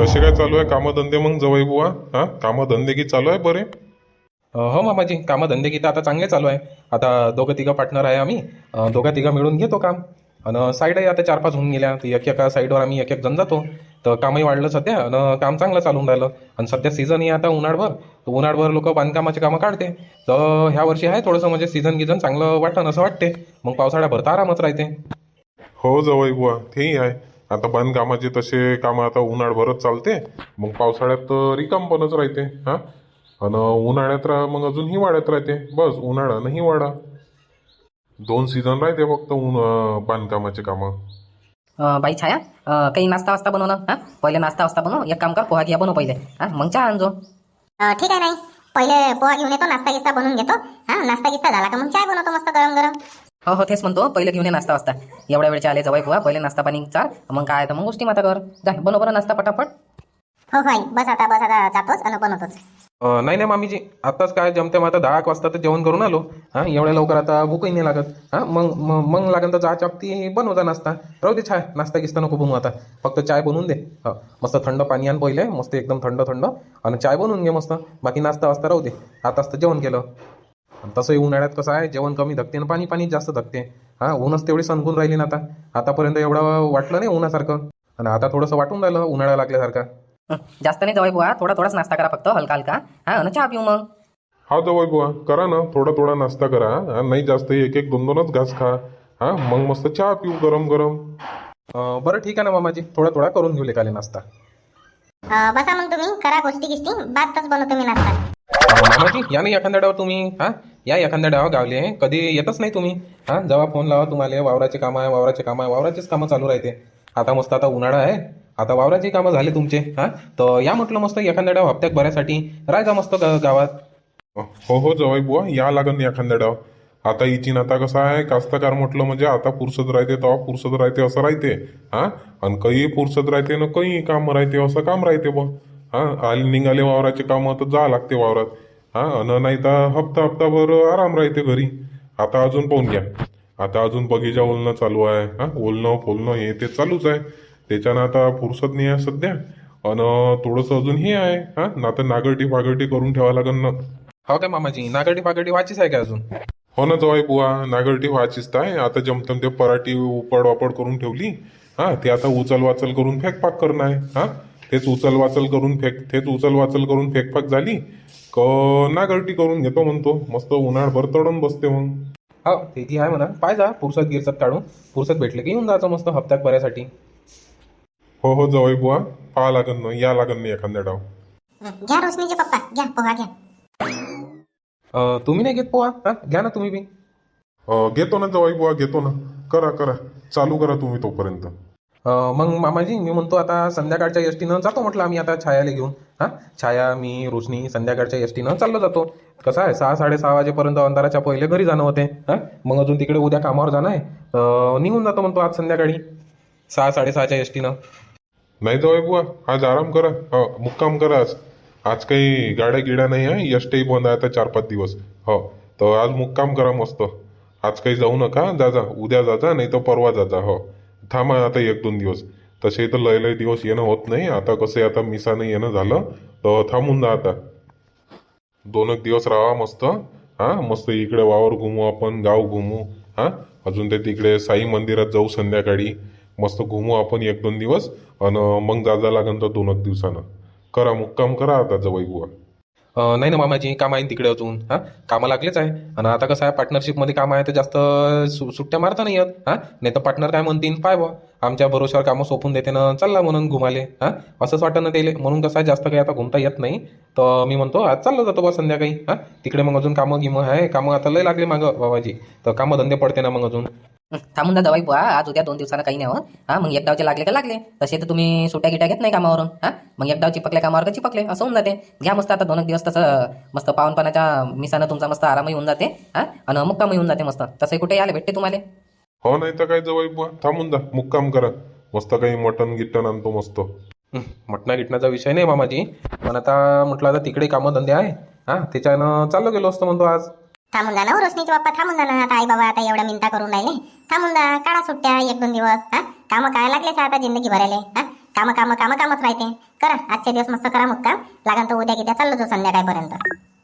कसे काय चालू आहे कामधंदे मग जवळ बुवा? हा, कामधंदे की चालू आहे बरे? हो मामाजी, कामं धंदे की तर आता चांगले चालू आहे. आता दोघं तिघं पार्टनर आहे आम्ही. दोघं तिघं मिळून घेतो काम. आणि साईडही आता 4-5 होऊन गेल्या, तर एक एका साईडवर आम्ही एक एक जण जातो. तर कामही वाढलं सध्या आणि काम चांगलं चालून राहिलं. आणि सध्या सीझनही आता उन्हाळभर, तर उन्हाळभर लोक बांधकामाचे कामं काढते. तर ह्या वर्षी आहे थोडंसं म्हणजे सीझन गिझन चांगलं वाटतं असं वाटते. मग पावसाळ्याभर तर आरामच राहते. हो जवळ बुवा, तेही आहे. आता बांधकामाचे तसे कामं आता उन्हाळभरच चालते. मग पावसाळ्यात तर रिकामपणच राहते. हा, आणि उन्हाळ्यात मग अजून हिवाळ्यात राहते. बस उन्हाळा आणि हिवाळा, 2 सीझन राहते फक्त बांधकामाचे कामं. बाई छाया, काही नाश्ता वास्ता बनव ना. हां, पहिले नाश्ता वास्ता बनव. एक काम कर, पोहा घ्या बनव पहिले. हां, मग चहा आणजो. ठीक आहे नाही. पहिले पोहा घेऊन येतो, नाश्ता गिस्ता बनवून घेतो. हा, नाश्ता गिस्ता झाला का मग चाय बनवतो मस्त गरम गरम. हो हो, तेच म्हणतो, पहिले घेऊन ये नाश्ता वास्ता. एवढ्या वेळचे आले जवळ पोहा, पहिले नाश्ता पाणी चाल. मग काय तर मग गोष्टी माता कर. जा बनव बरं नाश्ता पटापट. हो हो आई, बस आता जातोच आणि बनवतोच. नाही नाही मामीजी, आत्ताच काय जमते मग आता 10 वाजता तर जेवण करून आलो. हां, एवढ्या लवकर आता भूकही नाही लागत. हां, मग मग मग लागेल तर चहा चापती बनवता नाश्ता. राहू दे, चाय नाश्ता गिस्ता नको बनवू आता. फक्त चाय बनवून दे. हो, मस्त थंड पाणी आण पहिले, मस्त एकदम थंड थंड. आणि चाय बनवून घे मस्त. बाकी नाश्ता वास्ता राहू दे. आताच तर जेवण केलं. आणि तसंही उन्हाळ्यात कसं आहे, जेवण कमी धकते आणि पाणी पाणी जास्त धकते. हां, ऊनच तेवढी सणकून राहिली ना आता. आतापर्यंत एवढं वाटलं नाही उन्हासारखं, आणि आता थोडंसं वाटून राहिलं उन्हाळा लागल्यासारखा. जास्त नाही जवळ पोहा, थोडा थोडाच नाश्ता करा फक्त, हलका हलका. हां, आणि चहा पिऊ मग. हा जवळ बुवा, करा ना थोडा थोडा नाश्ता करा. हा, नाही जास्त, एक एक दोन दोनच घास खा. हा, मग मस्त चहा पिऊ गरम गरम. बरं ठीक आहे ना मामाजी, थोडा थोडा करून घेऊ लेकाले नाश्ता. बसा मग तुम्ही, करा गोष्टी गिष्टी, बातच बनवतो मी नाश्ता. मामाजी या नाही एखाद्या डाव तुम्ही. हां, या एखाद्या डाव गावले, कधी येतच नाही तुम्ही. हां, जेव्हा फोन लावा तुम्हाला, वावराचे काम आहे, वावराचे काम आहे, वावराचेच कामं चालू राहते. आता मस्त आता उन्हाळा आहे, आता वावराचे कामं झाले तुमचे. हां, तर या म्हटलं मस्त एखाद्या डाव हप्त्यात भरायसाठी राहायचा मस्त गावात. हो हो जवळ बुवा, या लागन एखाद्या डाव. आता इचिन आता कसं आहे, कास्तकार म्हटलं म्हणजे आता पुरसत राहते तेव्हा पुरसत राहते असं राहते. हा, आणि काही पुरसत राहते ना काही काम राहते असं काम राहते बुवा. हा, आले निघाले वावराचे काम तर जा लागते वावरात. हा, आणि नाही तर हप्ता हप्ताभर आराम राहते घरी. आता अजून पाहून घ्या, आता अजून बगीचा ओलणं चालू आहे. हा, ओलणं फोलणं हे ते चालूच आहे. त्याच्यानं आता फुरसत नाही आहे सध्या. आणि थोडंसं अजून हे आहे. हा, ना तर नागरटी फागरटी करून ठेवा लागन ना. हो काय मामाजी, नागरटी फागरटी व्हायचीच आहे का अजून? हो ना जवाई बुवा, नागरटी व्हायचीच आहे. आता जमतम ते पराठी उपड वापड करून ठेवली. हा, ते आता उचल वाचल करून फेकपाक करणं आहे. हा, तेच उचल वाचल करून फेकपाक झाली क नागरटी करून घेतो म्हणतो. मस्त उन्हाळभर तडून बसते मग. हो, ते आहे म्हणा. पाहिजा फुरसत गिरसत काढून, फुरसत भेटले की येऊन जायचं मस्त हप्त्यात भरायसाठी. हो हो जवाई बुवा, पाहा लागन ना, या लागन ना एखाद्या डाव. घ्या रोशनीचे पप्पा, घ्या पोहा घ्या. तुम्ही नाही घेत पोहा? हां, घ्या ना तुम्ही बी. घेतो ना जवाई बुवा, घेतो ना. करा करा, चालू करा तुम्ही तोपर्यंत. मग मामाजी मी म्हणतो आता संध्याकाळच्या एसटीनं जातो म्हटलं आम्ही आता छायाला घेऊन. हां, छाया मी रोशनी संध्याकाळच्या एसटीनं चाललो जातो. कसं आहे 6-6:30 वाजेपर्यंत अंधाराच्या पहिले घरी जाणं होते. हां, मग अजून तिकडे उद्या कामावर जाणं आहे. निघून जातो म्हणतो आज संध्याकाळी 6-6:30च्या एसटीनं. नाही जवाई बुवा, आज आराम करा. हो, मुक्काम करा आज. आज काही गाड्या गिड्या नाही आहे, एसटी बंद आहे आता 4-5 दिवस. हो, तर आज मुक्काम करा मस्त. आज काही जाऊ नका, जा जा, उद्या जा जा, नाही तर परवा जा जा. हो, थांबा आता 1-2 दिवस. तसे तर लय लय दिवस येणं होत नाही. आता कसं आता मिसानं येणं झालं तर थांबून जा आता. 2 दिवस राहा मस्त. हा, मस्त इकडे वावर घुमू आपण, गाव घुमू. हा, अजून ते तिकडे साई मंदिरात जाऊ संध्याकाळी. मस्त घुमू आपण 1-2 दिवस. आणि मग जा लागन तर 2 दिवसानं. करा मुक्काम करा आता जवळ बुवा. नाही ना मामाजी, काम आहे ना तिकडे अजून. हां, कामं लागलेच आहे. आणि आता कसं आहे पार्टनरशिपमध्ये काम आहे तर जास्त सुट्ट्या मारता नाही येत. हां, नाही तर पार्टनर काय म्हणतील, पाय बा आमच्या भरोश्यावर कामं सोपून देते ना, चालला म्हणून घुमाले. हां, असंच वाटतं ना त्याला. म्हणून कसं आहे जास्त काही आता घुमता येत नाही. तर मी म्हणतो आज चाललो जातो बा संध्याकाळी. हां, तिकडे मग अजून कामं गिमं आहे, कामं आता लय लागले मागं बाबाजी. तर कामं धंदे पडते ना मग अजून. थांबून जा जवाई पोहा, आज उद्या 2 दिवसानं काही नाही हो. हां, मग एक डावचे लागले का लागले. तसे तर तुम्ही सुट्या गिट्या घेत नाही कामावरून. हां, मग एक डाव चिपकल्या कामावर का चिपकले असं होऊन जाते. घ्या मस्त आता 2 दिवस तसं मस्त पावनपणाच्या मिसानं तुमचा मस्त आरामही होऊन जाते. हां, आणि मुक्कामही होऊन जाते मस्त. तसंही कुठे यायला भेटते तुम्हाला. हो, नाही तर काय जवळ बुवा, थांबून जा, मुक्काम करा. मस्त काही मटण गिट्टन आणतो मस्त. मटणा गिटणाचा विषय नाही मामाजी, पण आता म्हटलं आता तिकडे कामं धंदे आहे. हां, त्याच्यानं चाललो गेलो असतो म्हणतो आज. थांबून जा ना हो रोशनीचे पप्पा, थांबून जा ना. आता आई बाबा आता एवढ्या मिनता करून राहिले. थांबून जा, काढा सुट्ट्या 1-2 दिवस. हा, कामं काय लागलेच आता जिंदगी भरायला. हा, कामं कामं कामं कामच राहते. करा आजचे दिवस मस्त करा मुक्काम. लागन तर उद्या किद्या चाललो जाऊ संध्याकाळपर्यंत.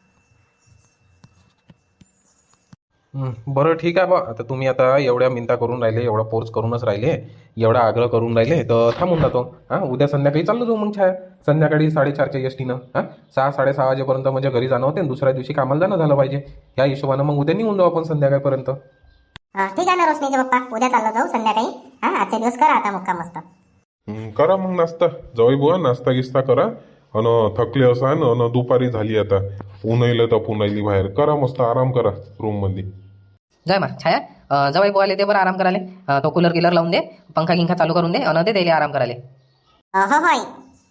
बरं ठीक आहे बा. आता तुम्ही आता एवढ्या मिनता करून राहिले, एवढा फोर्स करूनच राहिले, एवढा आग्रह करून राहिले, तर थांबून जातो. हां, उद्या संध्याकाळी चाललो जाऊ मग छाया. संध्याकाळी 4:30च्या एसटीनं. हां, 6-6:30 वाजेपर्यंत म्हणजे घरी जाणं होते आणि दुसऱ्या दिवशी कामाला जाणं झालं पाहिजे. या हिशोबानं मग उद्या निघून जाऊ आपण संध्याकाळपर्यंत. ठीक आहे ना रोशनीचे पप्पा, उद्या चाललो जाऊ संध्याकाळी. हा आजचे दिवस करा आता मुक्काम मस्त. करा मग नाश्ता. जाऊ बुवा, नाश्ता गिस्ता करा. अन थकले असान अन दुपारी झाली आता. ऊन तर पुन्हा बाहेर. करा मस्त आराम करा रूम मध्ये. जाय मा छाया जवाई बोवाले ते बरं आराम कराले. तो कूलर गिलर लावून दे, पंखा गिंखा चालू करून दे आणि दे त्याला आराम कराले. हो हो आई.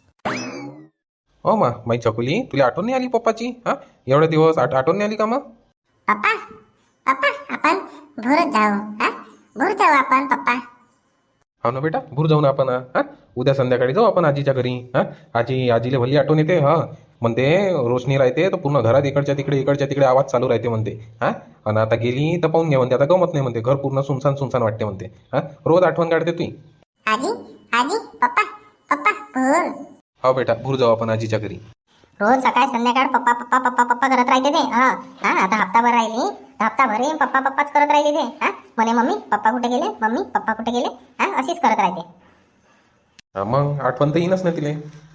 हो मा माई चकुली, तुला आठवण नाही आली पप्पाची? हां, एवढे दिवस आठवण नाही आली का मग? पप्पा पप्पा आपण भोरच जाऊ. हा भोर जाऊ आपण पप्पा. हो ना बेटा, भूर जाऊ ना आपण. हां, उद्या संध्याकाळी जाऊ आपण आजीच्या घरी. हां, आजीला भली आठवण येते. हां, म्हणते रोशनी राहते तर पूर्ण घरात इकडच्या तिकडे आवाज चालू राहते म्हणते. हां, आणि आता गेली तर पाहून घ्या म्हणते, आता गमत नाही म्हणते, घर पूर्ण सुनसान सुनसान वाटते म्हणते. हां, रोज आठवण काढते तुही. आजी आजी पप्पा पप्पा भोर. हो बेटा, भूर जाऊ आपण आजीच्या घरी. रोज सकाळ संध्याकाळ पप्पा पप्पा पप्पा पप्पा करत राहते ते. हा हा आता हप्ताभर राहिली, हप्ताभर पप्पा पप्पाच करत राहिली ते. हा म्हणे मम्मी पप्पा कुठे गेले, मम्मी पप्पा कुठे गेले. हा अशीच करत राहते. हां, मग आठवण तर येईनच ना तिले.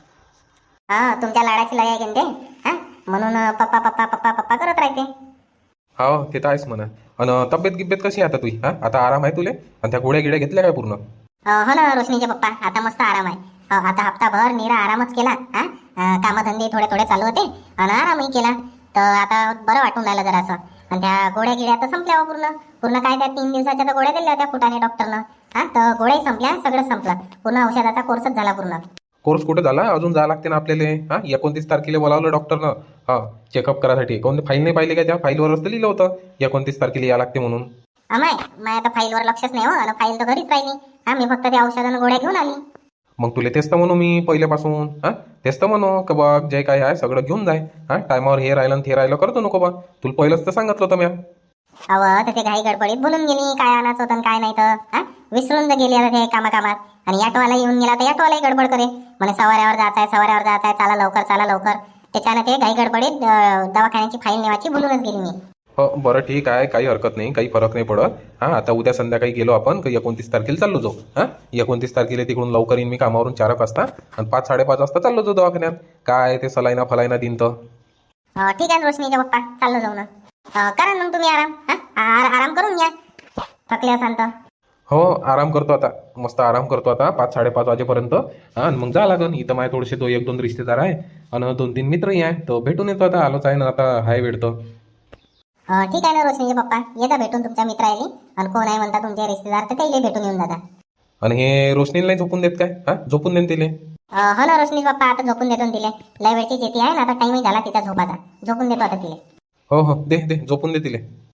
हा तुमच्या लाडाची लय आहे की ते. हा म्हणून पप्पा पप्पा पप्पा पप्पा करत राहते. हो, ते तर आहेच म्हणा. आणि तब्येत गिब्येत कशी आहे आता तुझी? हां, आता आराम आहे तुले? आणि त्या गोळ्या गिड्या घेतल्या काय पूर्ण? हो ना रोशनीचे पप्पा, आता मस्त आराम आहे. आता हप्ताभर निरा आरामच केला. हा कामधंदे थोडे थोडे चालू होते आणि आरामही केला. तर आता बरं वाटून राहिलं जरासं. आणि त्या गोळ्या गिड्या तर संपल्या हो पूर्ण. पूर्ण काय त्या 3 दिवसाच्या तर गोळ्या दिल्या होत्या फुटाने डॉक्टरनं. हा तर गोळ्याही संपल्या, सगळं संपलं. पूर्ण औषधाचा कोर्सच झाला पूर्ण. कोर्स कुठे झाला? अजून जावं लागते ना आपल्याला. हां, 29 तारखेला बोलावलं डॉक्टरनं. हां, चेकअप करायसाठी. कोणते फाईल नाही पाहिली का? त्या फाईलवरच तर लिहिलं होतं 29 तारखेला या लागते म्हणून. माय आता फाईलवर लक्षच नाही हो. आणि फाईल तर घरीच राहिली. हा मी फक्त त्या औषधानं गोळ्या घेऊन आली. मग तुला तेच तर म्हणू मी पहिल्यापासून. हां, तेच तर म्हणू का बघ, जे काय आहे सगळं घेऊन जाय. हां, टायमावर हे राहिलं आणि ते राहिलं करतो नको बा. तुला पहिलंच तर सांगितलं होतं म्या. तर ते घाई गडबडीत बोलून गेली काय आणायचं होतं आणि काय नाही तर. हा विसरून तर गेली आता ते कामात. आणि ऑटोवाला येऊन गेला तर ऑटोवालाही गडबड करे म्हणे सवाऱ्यावर जायचंय चला लवकर. त्याच्यानं ते घाई गडबडीत दवाखान्याची फाईल नेवायची भुलूनच गेली मी. हो, बरं ठीक आहे, काही हरकत नाही, काही फरक नाही पडत. हां, आता उद्या संध्याकाळी गेलो आपण 29 तारखेला चाललो जाऊ. हां, 29 तारखेला तिकडून लवकर येईन मी कामावरून 4 वाजता आणि 5-5:30 वाजता चाललो जाऊ दवाखान्यात. काय ते सलाईना फलाईना दिन तर. ठीक आहे रोशनीचे पप्पा, चाललो जाऊ ना. करा मग तुम्ही आराम. आराम करून घ्या, थकले असाल तर. हो, आराम करतो आता, मस्त आराम करतो आता 5-5:30 वाजेपर्यंत. हां, आणि मग जा लागन. इथं माझे थोडेसे 1-2 रिश्तेदार आहे आणि 2-3 मित्रही आहे, तो भेटून येतो. आता आलोच आहे ना, आता हाय वेळ तर. ठीक आहे ना रोशनीचे पप्पा, येता भेटून तुमच्या मित्राला. आणि कोण आहे म्हणता तुमचे रिश्तेदार तर त्याला भेटून येऊन जाता. आणि हे रोशनीला नाही झोपून देत काय? हां, झोपून देईन तिले. हो ना रोशनी पप्पा, आता झोपून देतो तिले. लय वेळची जेती आहे ना, आता टाईमही झाला तिचा झोपाचा. झोपून देतो आता तिले. हो, दे झोपून दे तिले.